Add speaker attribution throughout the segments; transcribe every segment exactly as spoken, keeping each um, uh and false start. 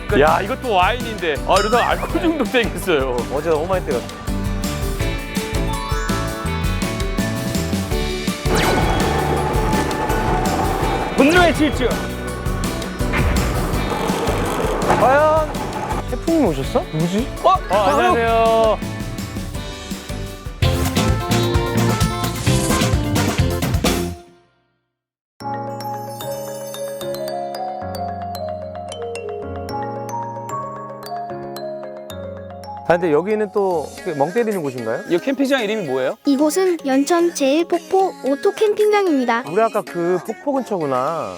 Speaker 1: 야, 이것도 와인인데. 아, 이러다가 알코올 중독 되겠어요.
Speaker 2: 어제 너무 많이 때렸어.
Speaker 1: 분노의 질주.
Speaker 2: 과연 태풍이 오셨어? 누구지?
Speaker 1: 어, 어 안녕하세요.
Speaker 2: 아 근데 여기는 또 멍 때리는 곳인가요?
Speaker 1: 이 캠핑장 이름이 뭐예요?
Speaker 3: 이곳은 연천 제일폭포 오토 캠핑장입니다.
Speaker 2: 우리 아까 그 폭포 근처구나.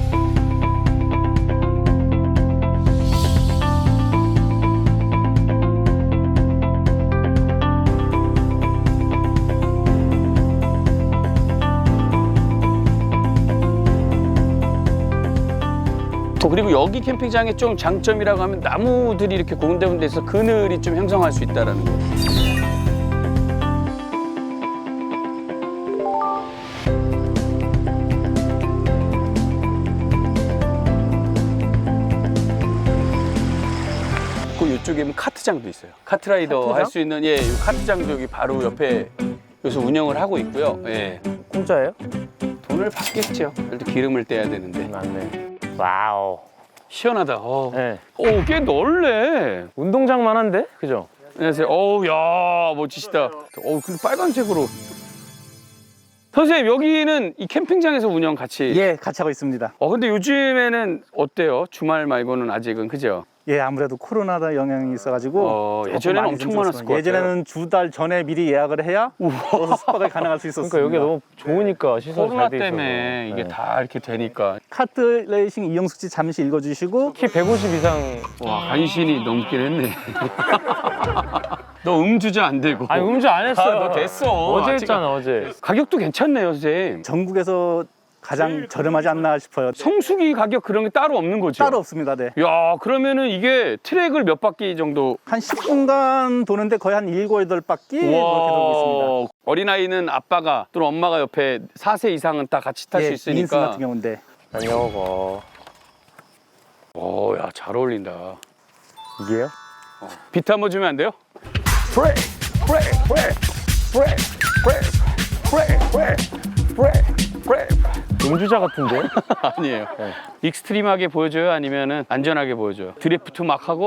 Speaker 1: 그리고 여기 캠핑장의 좀 장점이라고 하면 나무들이 이렇게 고운데군데 있어 그늘이 좀 형성할 수 있다는 거. 그 이쪽에 카트장도 있어요. 카트라이더 할 수 있는 예, 이 카트장도 여기 바로 옆에 여기서 운영을 하고 있고요. 예.
Speaker 2: 공짜예요?
Speaker 1: 돈을 받겠죠. 그래도 기름을 떼야 되는데.
Speaker 2: 맞네. 와우.
Speaker 1: 시원하다. 어.
Speaker 2: 네.
Speaker 1: 오, 꽤 넓네.
Speaker 2: 운동장만 한데? 그죠?
Speaker 1: 안녕하세요. 어우, 야, 멋지시다. 어우, 근데 빨간색으로. 선생님, 여기는 이 캠핑장에서 운영 같이.
Speaker 4: 예, 같이 하고 있습니다.
Speaker 1: 어, 근데 요즘에는 어때요? 주말 말고는 아직은, 그죠?
Speaker 4: 예, 아무래도 코로나 영향이 있어가지고
Speaker 1: 어,
Speaker 4: 조금
Speaker 1: 예전에는
Speaker 4: 많이
Speaker 1: 엄청
Speaker 4: 힘들었어요.
Speaker 1: 많았을 것 같아요.
Speaker 4: 예전에는 두 달 전에 미리 예약을 해야 거기서 숙박을 가능할 수 있었습니다.
Speaker 2: 그러니까 여기 너무 좋으니까 시설
Speaker 1: 코로나
Speaker 2: 잘 돼 있어서.
Speaker 1: 때문에 이게
Speaker 2: 네.
Speaker 1: 다 이렇게 되니까.
Speaker 4: 카트 레이싱 이영숙 씨 잠시 읽어주시고
Speaker 2: 키 백오십 이상.
Speaker 1: 와, 간신히 넘긴 했네. 너 음주자 안 되고.
Speaker 2: 아니 음주 안 했어요.
Speaker 1: 아, 너 됐어.
Speaker 2: 어제
Speaker 1: 아직-
Speaker 2: 했잖아 어제.
Speaker 1: 가격도 괜찮네요, 선생님.
Speaker 4: 전국에서 가장 저렴하지 않나 싶어요.
Speaker 1: 성수기 가격 그런 게 따로 없는 거죠?
Speaker 4: 따로 없습니다. 네.
Speaker 1: 야, 그러면은 이게 트랙을 몇 바퀴 정도?
Speaker 4: 한 십 분간 도는데 거의 한 일곱, 여덟 바퀴 그렇게 돌고 있습니다.
Speaker 1: 어린아이는 아빠가 또는 엄마가 옆에 사 세 이상은 다 같이 탈 수
Speaker 4: 예, 인스
Speaker 1: 있으니까.
Speaker 4: 같은 경우인데
Speaker 2: 안녕하고.
Speaker 1: 오, 야, 잘 어울린다.
Speaker 2: 이게요?
Speaker 1: 비트 한번 주면 안 돼요?
Speaker 2: 브레이크! 브레이크! 브레이크! 브레이크! 브레이크! 브레이크! 브레이크! 브레이크! 음주자 같은데?
Speaker 1: 아니에요.
Speaker 2: 네.
Speaker 1: 익스트림하게 보여줘요? 아니면은 안전하게 보여줘요? 드리프트 막 하고?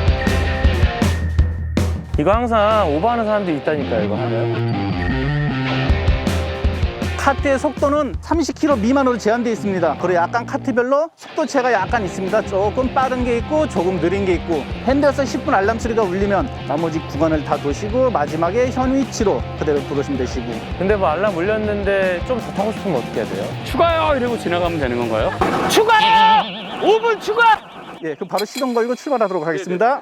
Speaker 2: 이거 항상 오버하는 사람들이 있다니까요 이거 하면.
Speaker 4: 카트의 속도는 삼십 킬로미터 미만으로 제한되어 있습니다. 그리고 약간 카트별로 속도차가 약간 있습니다. 조금 빠른 게 있고 조금 느린 게 있고 핸들에서 십 분 알람 소리가 울리면 나머지 구간을 다 도시고 마지막에 현 위치로 그대로 들어오시면 되시고.
Speaker 2: 근데 뭐 알람 울렸는데 좀 더 타고 싶으면 어떻게 해야 돼요?
Speaker 1: 추가요! 이러고 지나가면 되는 건가요? 추가요! 오 분 추가!
Speaker 4: 예, 그럼 바로 시동 걸고 출발하도록 하겠습니다.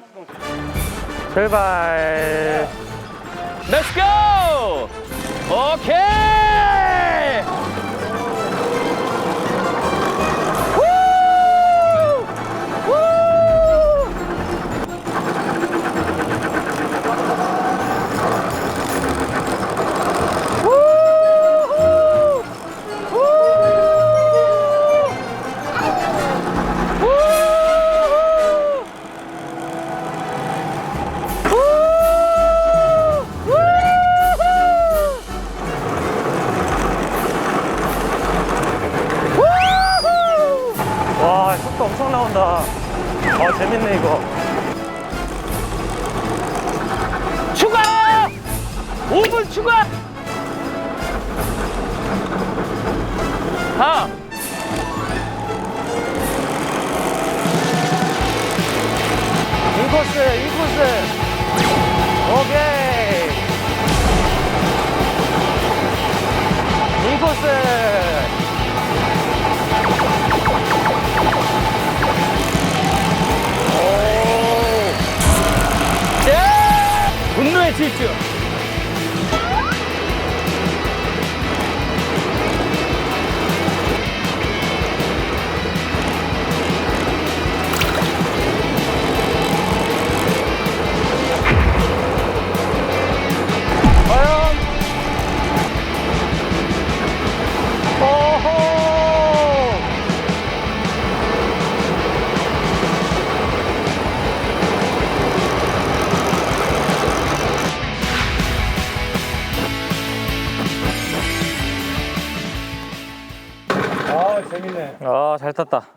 Speaker 2: 출발.
Speaker 1: Let's go! 오케이! 후! 후! 후! 후!
Speaker 2: 와 속도 엄청 나온다. 아 재밌네 이거.
Speaker 1: 추가! 오 분 추가! 하!
Speaker 2: 인코스 인코스. 오케이. 인코스.
Speaker 1: 분노의 질주!
Speaker 2: 과연? 오! 아, 잘 탔다.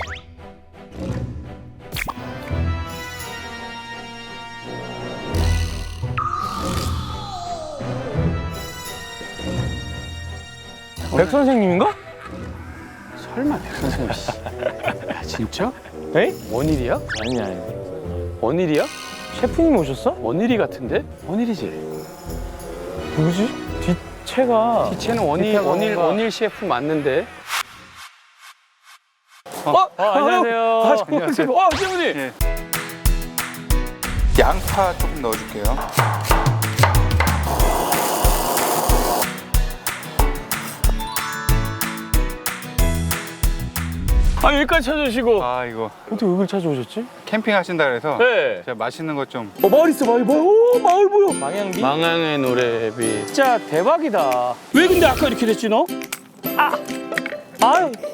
Speaker 2: 백 선생님인가?
Speaker 1: 설마 백 선생님 씨. 야, 진짜?
Speaker 2: 에이?
Speaker 1: 원일이야?
Speaker 2: 아니, 아니.
Speaker 1: 원일이야?
Speaker 2: 셰프님 오셨어?
Speaker 1: 원일이 같은데? 원일이지.
Speaker 2: 누구지? 뒷채가.
Speaker 1: 뒷채는 원일,
Speaker 2: 뒷채가
Speaker 1: 원일,
Speaker 2: 뭔가-
Speaker 1: 원일 셰프 맞는데? 어?
Speaker 2: 어, 안녕하세요.
Speaker 1: 아, 안녕하세요. 어, 셰프님.
Speaker 5: 예. 양파 조금 넣어줄게요.
Speaker 1: 아, 여기까지 찾아주시고.
Speaker 5: 아 이거
Speaker 2: 어떻게 여길 찾아오셨지?
Speaker 5: 캠핑 하신다 그래서
Speaker 1: 네.
Speaker 5: 제가 맛있는 것 좀.
Speaker 1: 어, 마을 있어, 마을. 오, 마을 보여.
Speaker 2: 망향비?
Speaker 1: 망향의 노래비.
Speaker 2: 진짜 대박이다.
Speaker 1: 왜 근데 아까 이렇게 됐지, 너?
Speaker 2: 아유.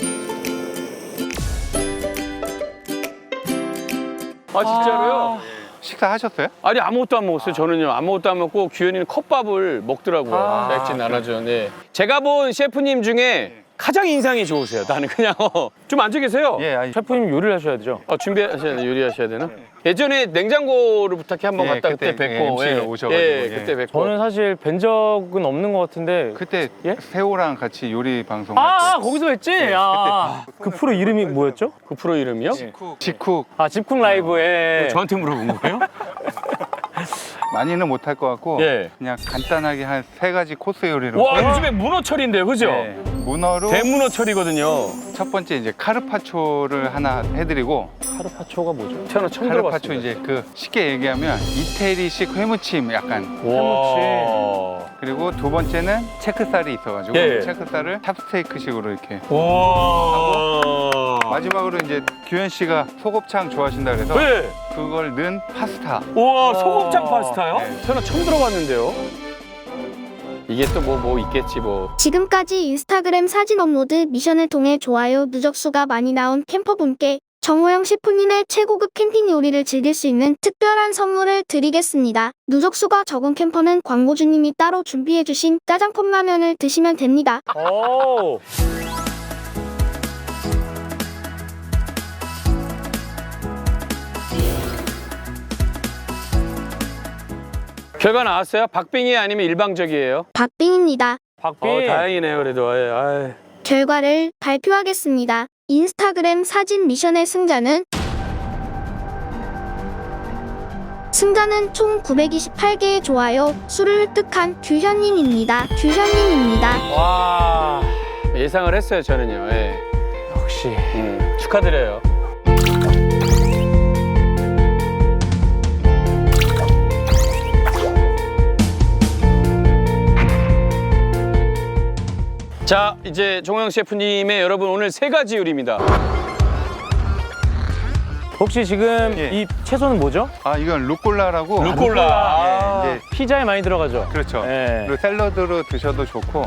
Speaker 1: 아, 진짜로요?
Speaker 5: 식사 하셨어요?
Speaker 1: 아니, 아무것도 안 먹었어요, 저는요. 아무것도 안 먹고 규현이는 컵밥을 먹더라고요.
Speaker 2: 아,
Speaker 1: 백진 나눠줘. 네. 제가 본 셰프님 중에 가장 인상이 좋으세요. 나는 그냥 어, 좀 앉아 계세요.
Speaker 5: 예, 아니,
Speaker 2: 셰프님 요리를 하셔야 되죠?
Speaker 1: 어, 준비하셔야 돼, 요리하셔야 되나? 예전에 냉장고를 부탁해 한번
Speaker 5: 예,
Speaker 1: 갔다 그때
Speaker 5: 그때
Speaker 1: 뵙고.
Speaker 5: 엠씨로 오셔가지고,
Speaker 1: 예,
Speaker 5: 예.
Speaker 1: 그때 뵙고.
Speaker 2: 저는 사실 뵌 적은 없는 것 같은데.
Speaker 5: 그때
Speaker 2: 예?
Speaker 5: 세호랑 같이 요리 방송
Speaker 2: 아,
Speaker 5: 할
Speaker 2: 아
Speaker 5: 때.
Speaker 2: 거기서 뵀지? 아, 그 프로 이름이 뭐였죠?
Speaker 1: 그 프로 이름이요?
Speaker 5: 직쿡
Speaker 2: 아, 집쿡 라이브에.
Speaker 1: 저한테 물어본 거예요?
Speaker 5: 많이는 못할 것 같고
Speaker 1: 예.
Speaker 5: 그냥 간단하게 한 세 가지 코스 요리로.
Speaker 1: 와, 요즘에 문어철인데요, 그죠?
Speaker 5: 예, 문어로
Speaker 1: 대문어철이거든요.
Speaker 5: 첫 번째 이제 카르파초를 하나 해드리고.
Speaker 2: 카르파초가 뭐죠?
Speaker 1: 태어나 처음
Speaker 5: 카르파초
Speaker 1: 들어봤습니다.
Speaker 5: 이제 그 쉽게 얘기하면 이태리식 회무침 약간.
Speaker 1: 와.
Speaker 5: 그리고 두 번째는 체크살이 있어가지고
Speaker 1: 예.
Speaker 5: 체크살을 찹스테이크식으로 이렇게.
Speaker 1: 와.
Speaker 5: 마지막으로 이제 규현 씨가 소곱창 좋아하신다 그래서
Speaker 1: 네.
Speaker 5: 그걸 넣은 파스타.
Speaker 1: 우와, 소곱창 파스타요?
Speaker 5: 네.
Speaker 1: 태어나 처음 들어봤는데요. 이게 또 뭐 뭐 있겠지 뭐.
Speaker 3: 지금까지 인스타그램 사진 업로드 미션을 통해 좋아요 누적수가 많이 나온 캠퍼분께 정호영 셰프님의 최고급 캠핑 요리를 즐길 수 있는 특별한 선물을 드리겠습니다. 누적수가 적은 캠퍼는 광고주님이 따로 준비해주신 짜장컵 라면을 드시면 됩니다.
Speaker 2: 오.
Speaker 1: 결과 나왔어요? 박빙이 아니면 일방적이에요?
Speaker 3: 박빙입니다.
Speaker 2: 박비.
Speaker 1: 어, 다행이네요, 그래도. 아이, 아이.
Speaker 3: 결과를 발표하겠습니다. 인스타그램 사진 미션의 승자는 승자는 총 구백이십팔 개의 좋아요 수를 획득한 규현님입니다. 규현님입니다.
Speaker 2: 와.
Speaker 1: 예상을 했어요, 저는요. 예.
Speaker 2: 역시.
Speaker 1: 음, 축하드려요. 자, 이제 종영 셰프님의 여러분 오늘 세 가지 요리입니다.
Speaker 2: 혹시 지금
Speaker 5: 예.
Speaker 2: 이 채소는 뭐죠?
Speaker 5: 아 이건 루꼴라라고.
Speaker 1: 루꼴라. 아,
Speaker 5: 예, 이제
Speaker 2: 피자에 많이 들어가죠?
Speaker 5: 그렇죠.
Speaker 2: 예.
Speaker 5: 그리고 샐러드로 드셔도 좋고.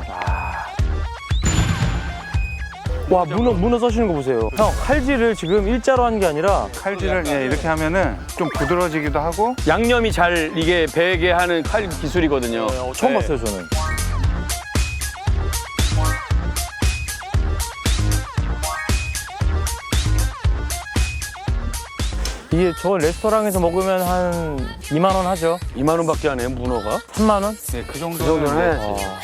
Speaker 2: 와, 문어, 문어 써시는 거 보세요. 형, 칼질을 지금 일자로 한 게 아니라
Speaker 5: 칼질을 예, 이렇게 하면은 좀 부드러워지기도 하고.
Speaker 1: 양념이 잘 이게 배게 하는 칼 기술이거든요.
Speaker 2: 처음
Speaker 1: 네.
Speaker 2: 봤어요, 저는. 이게 저 레스토랑에서 먹으면 한 이만 원 하죠?
Speaker 1: 이만 원밖에 안 해요, 문어가?
Speaker 2: 삼만 원?
Speaker 5: 예, 그 정도는.
Speaker 1: 그 정도는
Speaker 5: 네.
Speaker 1: 해야지.
Speaker 2: 어.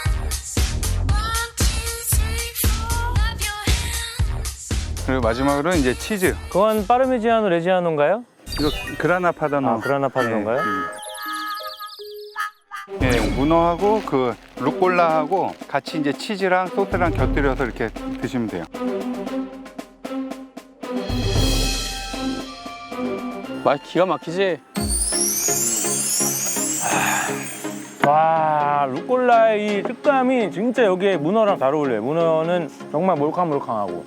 Speaker 5: 그리고 마지막으로 이제 치즈.
Speaker 2: 그건 파르미지아노 레지아노인가요?
Speaker 5: 이거 그라나 파다노.
Speaker 2: 아, 그라나 파다노인가요?
Speaker 5: 예, 예, 문어하고 그 루꼴라하고 같이 이제 치즈랑 소스랑 곁들여서 이렇게 드시면 돼요.
Speaker 1: 맛 기가 막히지?
Speaker 2: 와, 루꼴라의 이 식감이 진짜 여기에 문어랑 잘 어울려요. 문어는 정말 몰캉몰캉하고.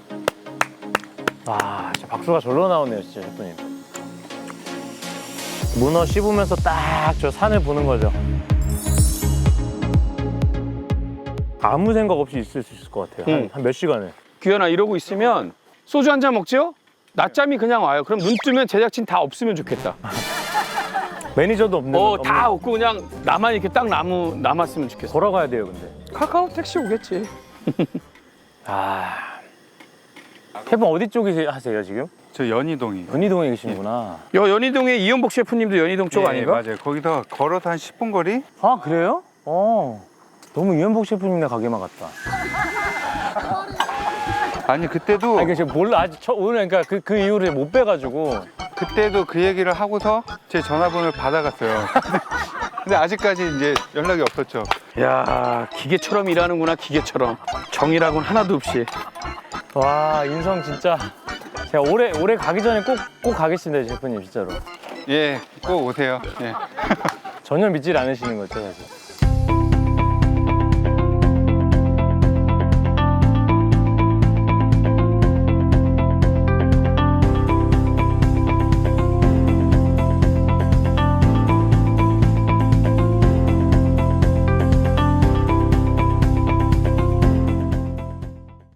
Speaker 2: 와, 진짜 박수가 절로 나오네요, 진짜 셰프님. 문어 씹으면서 딱 저 산을 보는 거죠. 아무 생각 없이 있을 수 있을 것 같아요.
Speaker 1: 응.
Speaker 2: 한 몇 시간을.
Speaker 1: 규현아, 이러고 있으면 소주 한 잔 먹죠? 낮잠이 그냥 와요. 그럼 눈 뜨면 제작진 다 없으면 좋겠다.
Speaker 2: 매니저도 없는.
Speaker 1: 어,
Speaker 2: 없는-
Speaker 1: 다 없고 그냥 나만 이렇게 딱 남우, 남았으면 좋겠어.
Speaker 2: 걸어가야 돼요, 근데.
Speaker 1: 카카오 택시 오겠지.
Speaker 2: 아, 셰프 어디 쪽에 하세요 지금?
Speaker 5: 저 연희동이.
Speaker 2: 연희동에 계시는구나.
Speaker 1: 여 연희동에 이연복 셰프님도 연희동 쪽
Speaker 5: 예,
Speaker 1: 아닌가?
Speaker 5: 맞아요. 거기서 걸어서 한 십 분 거리?
Speaker 2: 아 그래요? 어, 너무 이현복 셰프님네 가게만 같다.
Speaker 5: 아니 그때도
Speaker 2: 아니 제가 몰라 아직 처, 오늘 그러니까 그, 그 이후로 못 빼가지고.
Speaker 5: 그때도 그 얘기를 하고서 제 전화번호를 받아갔어요. 근데 아직까지 이제 연락이 없었죠.
Speaker 1: 야 기계처럼 일하는구나 기계처럼 정이라고는 하나도 없이.
Speaker 2: 와 인성 진짜. 제가 올해 올해 가기 전에 꼭 꼭 가겠습니다 셰프님 진짜로.
Speaker 5: 예, 꼭 오세요. 예.
Speaker 2: 전혀 믿질 않으시는 거죠 사실.